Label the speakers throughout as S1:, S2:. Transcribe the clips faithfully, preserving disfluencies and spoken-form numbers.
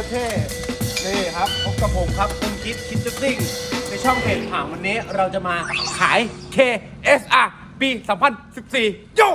S1: ตรเท่นี่ครับพบกับผมครับคุณคิดคิดจะซิ่งในช่องเพจผ่างวันนี้เราจะมาขาย เค เอส อาร์ ปี สองพันสิบสี่ โย่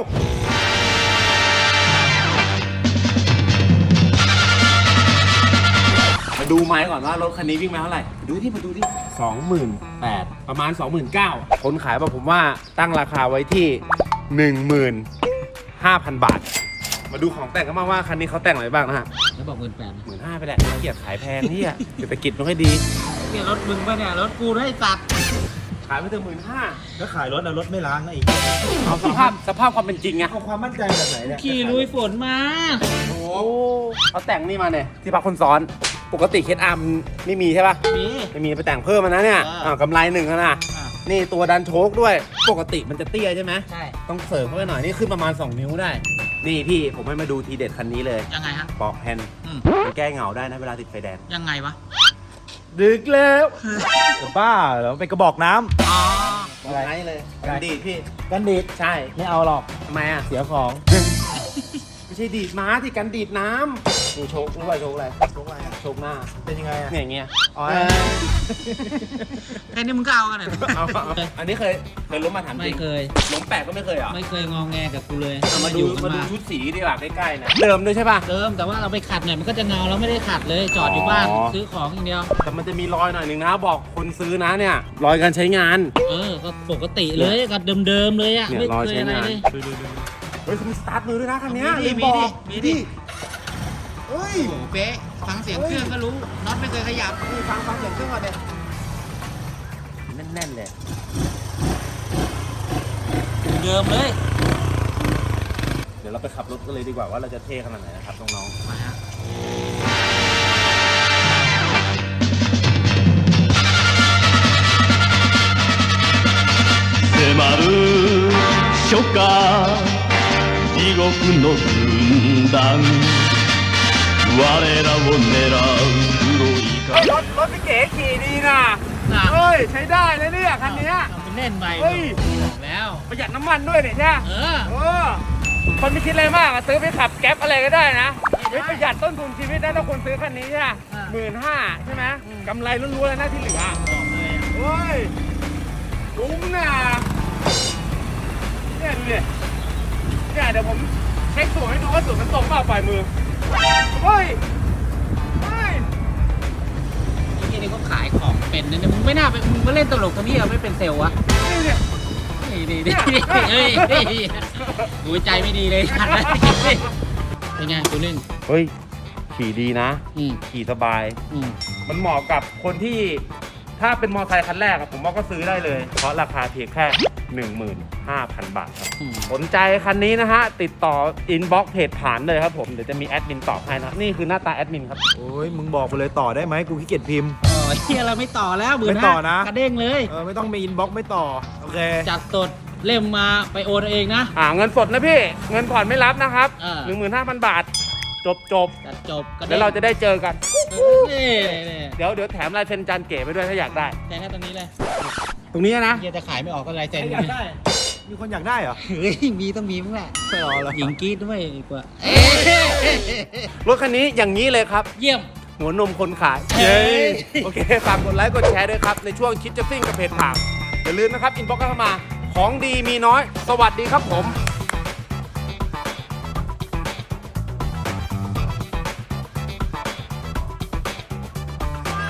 S1: มาดูไม้ก่อนว่ารถคันนี้วิ่งมาเท่าไหร่ดูที่มาดูที่สองหมื่นแปดพัน ประมาณ สองหมื่นเก้าพัน คนขายบอกผมว่าตั้งราคาไว้ที่ หนึ่งหมื่นห้าพัน บาท มาดูของแต่งกันบ้างว่าคันนี้เขาแต่งอะไรบ้างนะฮะ
S2: แล้วบอกหมื่นแปด
S1: หมื่นห้าไปแหละเกียรขายแพงนี่อ่ะเศรษฐกิจไม่ค่อยดี
S2: เนี่ยรถมึงป่ะเนี่ยรถกูให้ตัด
S1: ขายไปถึงหมื่นห้า
S3: แล้วขายรถเอารถไม่ล้างนะอีก
S1: เอาสภาพสภาพความเป็นจริงไง
S3: เอาความมั่นใจแบบไหนเนี่ย
S2: ขี่ลุยฝนมา
S1: โอ้เขาแต่งนี่มาเนี่ยที่พักคนซ้อนปกติเคสอาร์มไม่มีใช่ป่ะ
S2: มี
S1: ไม่มีไปแต่งเพิ่มมานะเนี่ย
S2: เอออ่
S1: อ่ากำไรหนึ่งแล้วนะ
S2: อ่ะ
S1: นี่ตัวดันโชคด้วยปกติมันจะเตี้ยใช่ไหม
S2: ใช่
S1: ต้องเสริมเข้าไปหน่อยนี่ขึ้นประมาณสองนิ้วได้ นี่พี่ผมให้มาดูทีเด็ดคันนี้เลย
S2: ยังไงฮะ
S1: ปอกแผ่น
S2: อืม
S1: มันแก้เหงาได้นะเวลาติดไฟแดง
S2: ยังไงวะ
S1: ดึกแล้ว
S3: จะบ้าเหรอเป็นกระบอกน้ำ
S2: อ๋อ
S1: อะไรเลยกันดีดพี่
S3: กันดีด
S1: ใช่
S3: ไม่เอาหรอก
S1: ทำไมอ่ะ
S3: เสียของ
S1: ไม่ใช่ดีดม้าที่กันดีดน้ำนี่โชครู้ป่ะโชคอะไร
S3: โชคอะไรอ่ะ
S1: โชคหน้า
S3: เป็นยังไงอ่ะ
S1: เนี่ยอย่างเงี้ย
S3: อ๋อ
S1: เออ
S2: แค่นี้มึงก็เอากันเหรอ
S1: เอาเอาอันนี้เคยเคยล้มมาถามจ
S2: ไม่
S1: ริง
S2: เคย
S1: ล้มแปลกก็ไม่เคยเหรอ
S2: ไม่เคยงองแงกับกูเลย
S1: เอามาดู
S2: อยู่กั
S1: มาน ดู
S2: มา
S1: ชุดสีดีกว่าใกล้ๆนะเดิมด้วยใช่ป่ะ
S2: เดิมแต่ว่าเราไปขัดเนี่ยมันก็จะเงาแล้วไม่ได้ขัดเลยจอดอยู่บ้าน
S1: อ๋อ
S2: ซื้อของอย่างเดียว
S1: แต่มันจะมีรอยหน่อยหนึ่งนะบอกคนซื้อนะเนี่ยรอยการใช้งาน
S2: เออก็ปกติเลยกับเดิมๆเลยอ่ะ
S1: เนี่ย
S2: ไม่
S1: รอย
S2: เคย
S1: ใช้
S2: อะไร
S1: งาน
S2: เลย
S1: ดูดูดูเฮ้ยมีสตาร์ทมือด้วยนะคันเนี้ย
S2: มีดิ
S1: ลืบอก
S2: มีดิ
S1: เฮ้ย
S2: โอ้โหเป๊ะฟังเสียงเครื่องก็รู้น็อตไม่เคยขยับ
S1: นี่ฟังฟังเสียงเครื่องก่อนเลยแน่นๆเลย
S2: เดิมเลย
S1: เดี๋ยวเราไปขับรถกันเลยดีกว่าว่าเราจะเท่ขนาดไหนนะครับน้อง
S2: มาฮะ
S4: 迫る初夏地獄の軍団我らを狙う黒い
S1: ๆรถรถพี่เก๋ขี่ดีนะ
S2: น่ะ
S1: เฮ้ยใช้ได้เลยเนี่ยคันเนี้ย
S2: เอาไปเล่นไป
S1: เฮ้ย
S2: บอกแล้ว
S1: ประหยัดน้ำมันด้วยเนี่ยใช่ไหม
S2: เออ
S1: เออคนไม่คิดอะไรมากอะซื้อไปขับแก๊ปอะไรก็ได้นะเฮ้ยประหยัดต้นทุนชีวิตได้ถ้าคนซื้อคันนี้ใช่ไหม
S2: อ่า
S1: หมื่นห้าใช่ไหม
S2: อืม
S1: กำไรล้วนๆเลยนะที่เหลือ
S2: บอกเลยอะ
S1: เฮ้ยคุ้มนะเนี่ยดูดิเนี่ยเดี๋ยวผมเช็คสูตรให้ดูว่าสูตรมันตรงเปล่าปล่อยมือเฮ้ยเฮ้ย
S2: ไอ้ที่นี่เขาขายของเป็นนะเนี่ยมึงไม่น่าไปมึงมาเล่นตลกตรงนี้อะไม่เป็นเซลล์วะ
S1: นี่เนี่ย
S2: นี่นี่นี่เฮ้ยเฮ้ยดูใจไม่ดีเลยขัดเลยเป็นไงตัวนึง
S1: เฮ้ยขี่ดีนะ
S2: อืม
S1: ขี่สบาย
S2: อืม
S1: มันเหมาะกับคนที่ถ้าเป็นมอเตอร์ไซค์คันแรกอะผมว่าก็ซื้อได้เลย เพราะราคาเพียงแค่ หนึ่งหมื่นห้าพัน บาทครับ
S2: อืม
S1: สนใจคันนี้นะฮะ ติดต่ออินบ็อกซ์เพจผ่านเลยครับผม เดี๋ยวจะมีแอดมินตอบให้นะ นี่คือหน้าตาแอดมินครับ
S3: โอ้ยมึงบอกไปเลยต่อได้ไหมกูขี้เกียจพิมพ์
S2: อ๋อเฮียเราไม่ต่อแล้วหมื่น
S3: ไม่ต่
S2: ห้า
S3: อนะ
S2: กระเด้งเลย
S3: เออไม่ต้องมีอินบ็อกซ์ไม่ต่อโอเค
S2: จัดสดเล่มมาไปโอนเอาเองนะ
S1: อ่าเงินสดนะพี่ เงินผ่อนไม่รับนะครับ
S2: เออ
S1: หนึ่งหมื่นห้าพัน บาท จบจบ
S2: จัดจบกระ
S1: ๆ
S2: เด้ง
S1: แล้วเราจะได้เจอกัน
S2: เออนี่นี่
S1: เดี๋ยวเดี๋ยวแถมลายเซ็นจานเก๋ไปด้วยถ้าอยากได้
S2: แต่แค่ตรงนี้เลย
S1: ตรงนี้นะ
S2: เฮียจะขายไม่ออกก็ลายเซ็น
S3: อยากได้ มีคนอยากได้เหรอ
S2: เฮ้ยมีต้องมีมั้งแหละ
S3: ไม่รอแล้ว
S2: หญิงกรีดด้วยดีกว่า
S1: รถคันนี้อย่างนี้เลยครับ
S2: เยี่ยม
S1: หัวนมคนขาย
S2: เย้
S1: โอเคฝากกดไลค์กดแชร์ด้วยครับ ในช่วงคิดจะซิ่งกับเพจผักอย่าลืมนะครับ อินบ็อกซ์เข้ามา ของดีมีน้อย สวัสดีครับผม